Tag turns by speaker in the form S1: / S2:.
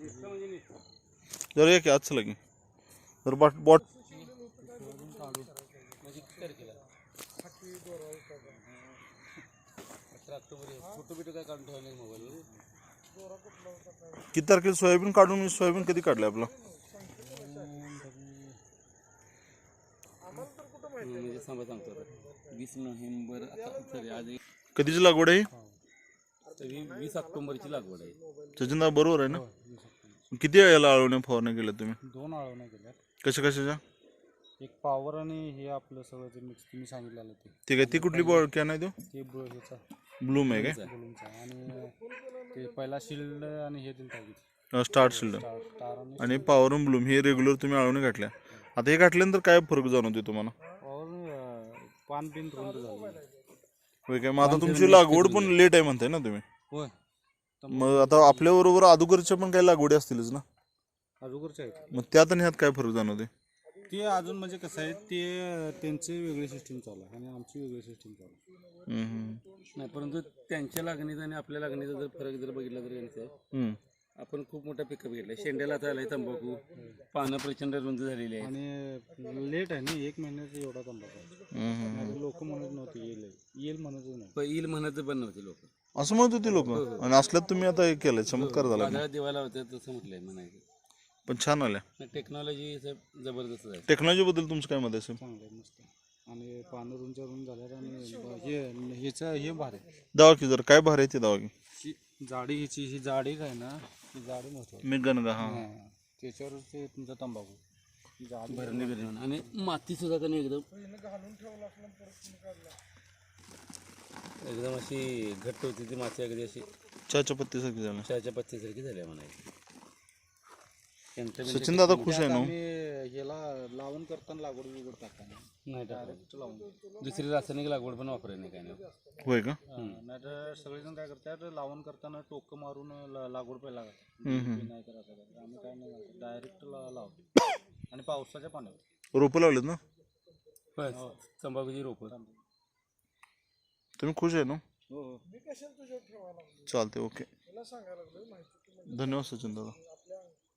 S1: जरा एक आज लगी जर बॉट किती तारखेला सोयाबीन काढून मी सोयाबीन कधी काढलं आपलं
S2: सांगतो 20 नोव्हेंबर
S1: कधीची लागवड आहे
S2: 20 ऑक्टोबरची लागवड आहे.
S1: सचिनदा बरोबर आहे ना किती याला आळवण्या फवारण्या केल्या तुम्ही
S3: 2 आळवण्या केल्या
S1: कशा कशाच्या
S3: एक पॉवर आणि हे आपलं सगळं जे मिक्स तुम्ही सांगितलेलं
S1: ते काय ती कुठली बॉल क्या नाही
S3: ते ह्याचा
S1: ब्लूम आहे काय
S3: बलूनचा आणि ते पहिला शिल्ड आणि हे दिलं टाकीत
S1: स्टार्ट शिल्ड
S3: स्टार
S1: आणि पॉवर आणि ब्लूम हे रेग्युलर तुम्ही आळवणी घातल्या आता हे घातल्यानंतर काय फरक जाणवते तुम्हाला
S3: पॉवर पान बिन रुंद झालं
S1: होय काय मग आता तुमची लागवड पण लेट आहे म्हणताय ना तुम्ही
S3: होय
S1: मग आता आपल्या बरोबर अगोदरच्या पण काही लागवडी असतीलच ना
S3: अगोदरच्या आहेत
S1: मग त्यात आणि ह्यात काय फरक जाणवते
S3: ते अजून म्हणजे कसं आहे ते त्यांची वेगळी सिस्टीम चालू आहे आणि आमची वेगळी सिस्टीम चालू आहे
S2: नाही परंतु त्यांच्या लागणीचा आणि आपल्या लागणीचा जर फरक जर बघितला तर यांचा आपण खूप मोठा पिकअप घेतलाय शेंड्याला झालाय तंबाखू पानं प्रचंड रुंद झालेली आहे
S3: आणि लेट आहे ना 1 महिन्याचा एवढा तंबाखू लोक म्हणत नव्हते येईल म्हणतच नाही
S2: येईल म्हणत पण नव्हते लोक
S1: असं म्हणत होते लोक आणि असल्यात तुम्ही आता हे केलंय चमत्कार झाला
S2: बाजारात दिवायला होत्या तसं म्हटलंय म्हणायचं
S1: पण छान आल्या
S2: टेक्नॉलॉजी जबरदस्त आहे.
S1: टेक्नॉलॉजी बद्दल तुमचं काय मत आहे
S3: चांगलं आहे मस्त आणि पानं रुंच्या रुंद झाल्यात आणि ह्याचं हे भार आहे
S1: दवा की जर काय भार आहे ते दवा की
S3: जाडी ह्याची ही जाडी आहे ना ती जाडी महत्वाची
S1: मी गणगा हा
S3: त्याच्यावर ते तुमचा तंबाखू जाडी
S2: भरणी बिरणी आणि माती सुद्धा त्याने एकदम अशी घट्ट होती ती माती अगदी अशी
S1: चहाच्या पत्तीसारखी झालं
S2: चहाच्या पत्तीसारखी झाली म्हणायची.
S1: सचिन दादा खुश आहे ना
S3: ह्याला लावून करताना लागवड बिगड टाकताना
S2: नाही डायरेक्ट लावून दुसरी रासायनिक लागवड पण वापरायला नाही काय नाही.
S1: होय का
S3: नाही तर सगळेजण काय करतात लावून करताना टोकं मारून लागवड पहिला करतात नाही तर असं करतात आम्ही काय नाही डायरेक्ट लावतो आणि पावसाच्या पाण्यावर
S1: रोपं लावलेत ना
S2: तंबाखूची रोपं
S1: तुम्ही खुश आहे ना
S3: हो
S1: चालते ओके धन्यवाद सचिन दादा